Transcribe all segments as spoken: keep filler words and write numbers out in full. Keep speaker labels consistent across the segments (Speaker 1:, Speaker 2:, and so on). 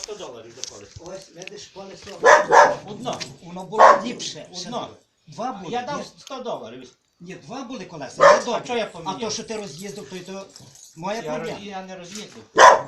Speaker 1: сто доларів за колесо.
Speaker 2: Ось, видиш, колесо.
Speaker 1: Одно.
Speaker 2: Воно було ліпше. ще
Speaker 1: Одно.
Speaker 2: було. Два були.
Speaker 1: Я
Speaker 2: ні?
Speaker 1: дав сто доларів.
Speaker 2: Ні, два були колеса. Не добре.
Speaker 1: що я
Speaker 2: А
Speaker 1: поміняв?
Speaker 2: то, що ти роз'їздив, то й то моя
Speaker 1: Я, роз...
Speaker 2: проблема.
Speaker 1: я не роз'їздив.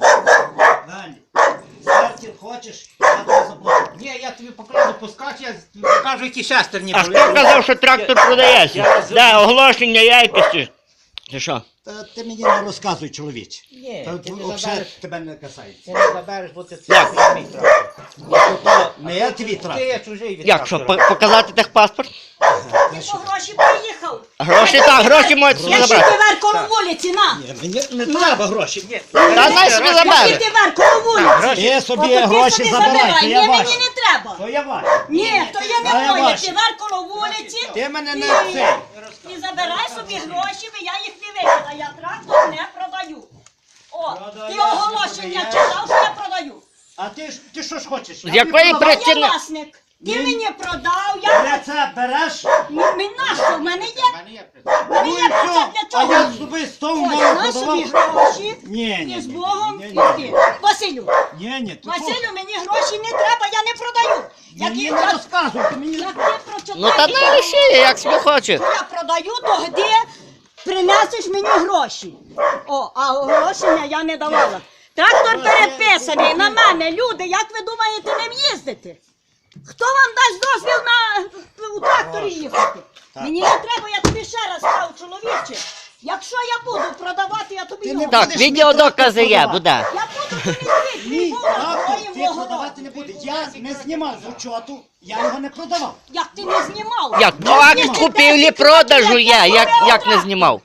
Speaker 2: Далі. Стартер хочеш, я тобі заплачу.
Speaker 1: Ні, я тобі покладу пускати, я покажу, які шестерні
Speaker 3: А
Speaker 1: були.
Speaker 3: хто казав, що трактор продається? Де оголошення якості? Чи що?
Speaker 2: Та ти мені не розказуй, чоловіче.
Speaker 1: Ні,
Speaker 2: Та
Speaker 1: ти не
Speaker 2: взагалі
Speaker 1: забереш.
Speaker 2: тебе не касається.
Speaker 1: Ти не забереш, бо це
Speaker 3: Як?
Speaker 1: це мій трактор.
Speaker 2: Не я твій
Speaker 1: Ти
Speaker 2: трактор.
Speaker 1: є чужий від
Speaker 3: Як що,
Speaker 1: трактора.
Speaker 3: по- показати техпаспорт?
Speaker 2: Та
Speaker 4: Ти
Speaker 2: що?
Speaker 4: по гроші приїхав.
Speaker 3: Гроші так, гроші можуть собі
Speaker 4: Я ще
Speaker 3: забрати.
Speaker 4: ти вер коло вулиці, на.
Speaker 2: Ні, мені не треба гроші.
Speaker 1: Ні.
Speaker 3: Та най собі
Speaker 4: Я
Speaker 3: забере.
Speaker 4: ти вер коло вулиці.
Speaker 2: Ти
Speaker 4: Ото
Speaker 2: собі
Speaker 4: ти
Speaker 2: гроші
Speaker 4: собі
Speaker 2: забирай, то
Speaker 4: Ні,
Speaker 2: я
Speaker 4: мені
Speaker 2: ваші.
Speaker 4: не треба.
Speaker 2: То я ваш.
Speaker 4: Ні, то я
Speaker 2: Та я
Speaker 4: не моє.
Speaker 2: ваші.
Speaker 4: Ти вер коло вулиці.
Speaker 2: Ти мене
Speaker 4: і-
Speaker 2: не цей.
Speaker 4: І забирай собі гроші, бо я їх не викидаю. Я трактор не продаю. О, ти оголошення читав, що я продаю.
Speaker 2: А ти ж ти що ж хочеш?
Speaker 3: З якої
Speaker 4: А
Speaker 3: причини?
Speaker 4: я власник. Ти
Speaker 2: Ні.
Speaker 4: мені продав, я...
Speaker 2: Рецепт береш?
Speaker 4: Мені нащо? В мене є...
Speaker 1: В мене є прицеп.
Speaker 4: В мене
Speaker 2: Ну
Speaker 4: є
Speaker 2: і
Speaker 4: прицеп
Speaker 2: все.
Speaker 4: для
Speaker 2: А
Speaker 4: чого?
Speaker 2: я собі з того
Speaker 4: Ось,
Speaker 2: мало
Speaker 4: на собі
Speaker 2: подавав.
Speaker 4: гроші.
Speaker 2: Ні, ні,
Speaker 4: І з
Speaker 2: ні,
Speaker 4: Богом
Speaker 2: ні, ні,
Speaker 4: йди.
Speaker 2: ні.
Speaker 4: Василю,
Speaker 2: Ні, ні, ти що?
Speaker 4: Василю, мені гроші не треба, я не продаю. Як,
Speaker 2: Мені
Speaker 4: я-
Speaker 2: не
Speaker 4: як,
Speaker 2: розказуй, ти мені...
Speaker 4: як ти прочитаєш,
Speaker 3: Ну та не лише, як собі хоче.
Speaker 4: я продаю, то де принесеш мені гроші. О, а оголошення я не давала. Трактор переписаний на мене. Люди, як ви думаєте ним їздити? Хто вам дасть дозвіл на у тракторі їхати? Мені не треба, я тобі ще раз кажу, чоловіче. Якщо я буду продавати, я тобі
Speaker 2: Ти
Speaker 4: його.
Speaker 2: не
Speaker 3: Так,
Speaker 2: будеш мені
Speaker 3: відеодокази є,
Speaker 2: трактор
Speaker 3: буде.
Speaker 4: Я буду тобі твій
Speaker 2: Ні,
Speaker 4: твій
Speaker 2: трактор
Speaker 4: твоїм
Speaker 2: ти
Speaker 4: вогором.
Speaker 2: продавати не буде. Я не знімав з учету, я його не продавав.
Speaker 4: Як ти не знімав?
Speaker 3: Як? Ну, акт купівлі-продажу є, як, як не знімав.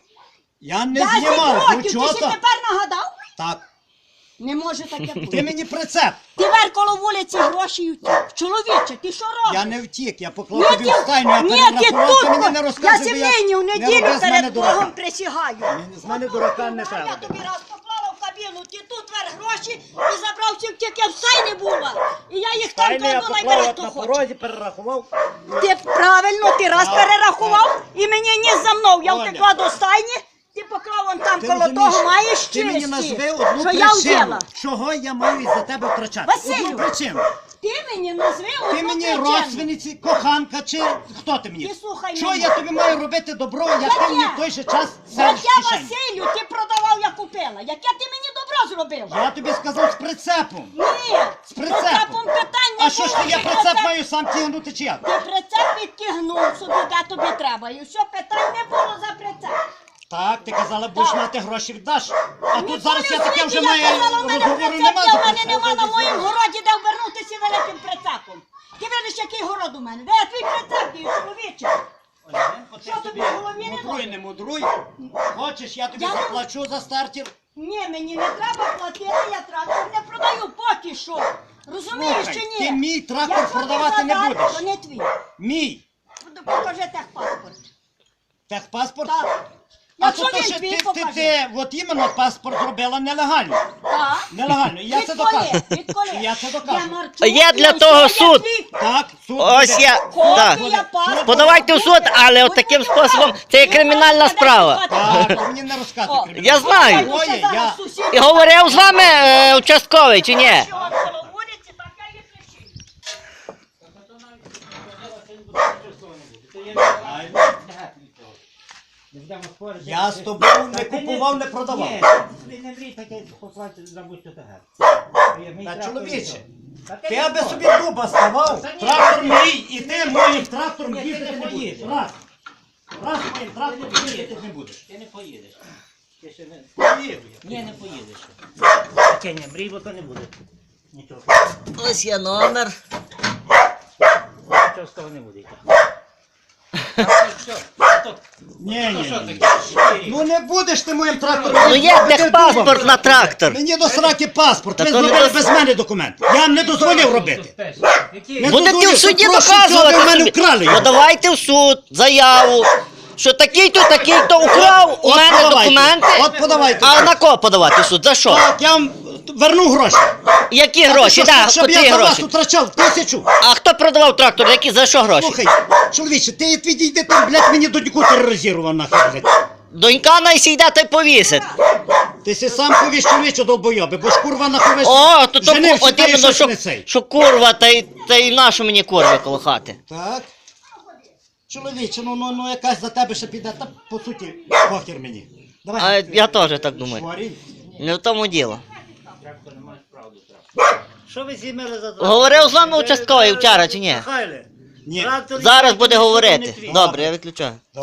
Speaker 2: Я не
Speaker 4: Десять
Speaker 2: знімав з
Speaker 4: років, ти ще
Speaker 2: учету.
Speaker 4: тепер нагадав?
Speaker 2: Так,
Speaker 4: Не може таке
Speaker 2: ти
Speaker 4: бути.
Speaker 2: мені прицеп.
Speaker 4: Ти вер коло вулиці гроші втік. Чоловіче, ти що робиш?
Speaker 2: Я не втік, я
Speaker 4: Ні,
Speaker 2: поклав тобі в стайню, я
Speaker 4: ні, ти
Speaker 2: перерахував, ти мені
Speaker 4: тут.
Speaker 2: не
Speaker 4: Я
Speaker 2: розказуй, бо
Speaker 4: сімейні в
Speaker 2: не
Speaker 4: неділю
Speaker 2: роби з мене
Speaker 4: перед
Speaker 2: дурака.
Speaker 4: Богом присягаю.
Speaker 2: Мені з мене дурака не
Speaker 4: Я
Speaker 2: треба.
Speaker 4: тобі раз поклала в кабіну, ти тут вер гроші і забрав ці тільки в стайні була. І я їх там
Speaker 2: Стайню я
Speaker 4: кладу,
Speaker 2: поклав,
Speaker 4: найбере
Speaker 2: от
Speaker 4: хто
Speaker 2: на
Speaker 4: хоче.
Speaker 2: порозі перерахував.
Speaker 4: Ти правильно, ти раз
Speaker 2: Так,
Speaker 4: перерахував і мені ні за мною. Я
Speaker 2: Оля.
Speaker 4: втекла до стайні, ти поклав вон там
Speaker 2: Ти
Speaker 4: коло
Speaker 2: розумієш,
Speaker 4: того, маєш
Speaker 2: ти мені назви
Speaker 4: честі,
Speaker 2: одну
Speaker 4: що я
Speaker 2: причину,
Speaker 4: взяла.
Speaker 2: чого я маю із-за тебе втрачати.
Speaker 4: Василю,
Speaker 2: Одну причину.
Speaker 4: Ти мені назви одну
Speaker 2: Ти мені
Speaker 4: причину.
Speaker 2: родственниці, коханка чи хто ти мені?
Speaker 4: Ти слухай
Speaker 2: Що
Speaker 4: мене.
Speaker 2: я тобі маю робити добро, як
Speaker 4: Яке?
Speaker 2: ти мені в той же час сереш
Speaker 4: Яке,
Speaker 2: в кишені?
Speaker 4: Василю, ти продавав, я купила. Яке ти мені добро зробив?
Speaker 2: Я тобі сказав з прицепом.
Speaker 4: Ні,
Speaker 2: З прицепом.
Speaker 4: питань не
Speaker 2: А що ж ти,
Speaker 4: було,
Speaker 2: я
Speaker 4: ти
Speaker 2: прицеп маю сам тягнути чи як?
Speaker 4: Ти прицеп відтягнув собі, де тобі треба. І все, питань не було за прицеп.
Speaker 2: Так, ти казала, будеш
Speaker 4: Так.
Speaker 2: мати гроші віддаш. А тут
Speaker 4: Ніколи
Speaker 2: зараз я
Speaker 4: в
Speaker 2: таке
Speaker 4: світі
Speaker 2: вже
Speaker 4: я
Speaker 2: маю
Speaker 4: казала, в мене
Speaker 2: розговору
Speaker 4: прицеп
Speaker 2: нема
Speaker 4: є,
Speaker 2: за
Speaker 4: в мене
Speaker 2: прицеп.
Speaker 4: нема на моїм городі, де ввернутися великим прицепом. Ти видиш, який город у мене. Де я твій прицеп, дію, чоловіче?
Speaker 2: Оленко, ти
Speaker 4: Що тобі
Speaker 2: собі
Speaker 4: в голові не
Speaker 2: мудруй,
Speaker 4: добре?
Speaker 2: не мудруй. Хочеш, я тобі
Speaker 4: Я не-
Speaker 2: заплачу за стартер.
Speaker 4: Ні, мені не треба платити, я трактор не продаю поки що. Розумієш
Speaker 2: Слухай,
Speaker 4: чи ні?
Speaker 2: ти мій трактор
Speaker 4: Якщо ти
Speaker 2: продавати не
Speaker 4: задар,
Speaker 2: будеш.
Speaker 4: то не твій.
Speaker 2: Мій.
Speaker 4: Покажи техпаспорт.
Speaker 2: Техпаспорт?
Speaker 4: Так.
Speaker 2: А
Speaker 4: Якщо
Speaker 2: то, то,
Speaker 4: він
Speaker 2: що
Speaker 4: твій,
Speaker 2: ти, ти,
Speaker 4: покажи.
Speaker 2: ти, от іменно паспорт зробила нелегально.
Speaker 4: Так.
Speaker 2: Нелегально, я це
Speaker 4: Відколи?
Speaker 2: докажу.
Speaker 4: Відколи?
Speaker 2: Я це докажу.
Speaker 4: Я марчу,
Speaker 3: Є для
Speaker 4: я
Speaker 3: того
Speaker 4: все, я
Speaker 3: суд.
Speaker 4: твій.
Speaker 2: Так, суд
Speaker 3: Ось
Speaker 2: буде.
Speaker 3: я. Так.
Speaker 4: Копія паспорта.
Speaker 3: Подавайте в суд, але от таким способом це є кримінальна справа.
Speaker 2: Так, ти мені не розказуй
Speaker 4: О,
Speaker 2: кримінал.
Speaker 3: Я знаю.
Speaker 2: Ой, я-
Speaker 3: І говорив з вами е, участковий чи ні?
Speaker 2: Я з тобою не купував, не продавав.
Speaker 1: Ні, ти не мрій таке поплати, забудь що таке.
Speaker 2: Та чоловіче, ти аби собі дуба ставав,
Speaker 1: Та ні.
Speaker 2: трактор мій, і ти моїм трактором
Speaker 1: Ні, ти
Speaker 2: їздити
Speaker 1: не
Speaker 2: не будеш.
Speaker 1: поїдеш.
Speaker 2: Раз. Раз моїм трактором їздити не будеш.
Speaker 1: Ти не поїдеш. Ти ще не...
Speaker 2: Поїду я.
Speaker 1: Ні, не поїдеш. Таке не мрій, бо то не буде. Нічого.
Speaker 3: Ось є номер.
Speaker 1: Нічого з того не буде. Так, що? То-
Speaker 2: Ні,
Speaker 1: то
Speaker 2: ні,
Speaker 1: що
Speaker 2: ні.
Speaker 1: таке?
Speaker 2: Ну не будеш ти моїм трактором.
Speaker 3: Ну є
Speaker 2: їздити,
Speaker 3: техпаспорт
Speaker 2: ти
Speaker 3: на трактор.
Speaker 2: Мені до сраки паспорт.
Speaker 3: Та
Speaker 2: Ви
Speaker 3: то не
Speaker 2: зробили
Speaker 3: до-
Speaker 2: без мене документ. Я вам не дозволив робити.
Speaker 1: Які?
Speaker 2: Не
Speaker 3: Будете
Speaker 2: дозволив,
Speaker 3: в суді
Speaker 2: що прошлий
Speaker 3: доказувати
Speaker 2: цього в мене
Speaker 3: собі.
Speaker 2: вкрали його.
Speaker 3: Подавайте в суд заяву, що такий-то, такий-то украв у
Speaker 2: От
Speaker 3: мене
Speaker 2: подавайте.
Speaker 3: документи.
Speaker 2: От подавайте.
Speaker 3: А на кого подавати в суд? За що?
Speaker 2: Так, я вам верну гроші.
Speaker 3: Які гроші?
Speaker 2: Щоб-
Speaker 3: Так,
Speaker 2: Щоб
Speaker 3: котрі
Speaker 2: я за вас
Speaker 3: гроші?
Speaker 2: втрачав тисячу.
Speaker 3: А хто продавав трактор? Які за що гроші?
Speaker 2: Слухай, чоловіче, ти відійди там, блядь, мені доньку тероризував нахер, блядь.
Speaker 3: Донька найсійде та й повісить.
Speaker 2: Ти си сам повісь чоловіче долбойоби, бо ж курва наховиш.
Speaker 3: О, то то
Speaker 2: женився,
Speaker 3: от
Speaker 2: та й
Speaker 3: іменно,
Speaker 2: щось
Speaker 3: що,
Speaker 2: не цей.
Speaker 3: що курва, та й, та й нашу мені курви коло хати.
Speaker 2: Так. Чоловіче, ну, ну, ну якась за тебе ще піде, та по суті, похер мені. Давай.
Speaker 3: А я теж так думаю.
Speaker 2: Шварій.
Speaker 3: Не в тому діло.
Speaker 1: Трактор не маєш правду трактор. Що ви зімели за трактор?
Speaker 3: Говорив з вами участковий вчора чи ні?
Speaker 1: Михайле,
Speaker 2: Ні.
Speaker 1: трактор
Speaker 3: Зараз
Speaker 1: ніякий
Speaker 3: буде
Speaker 1: не
Speaker 3: говорити.
Speaker 1: твій.
Speaker 3: Добре, я виключаю.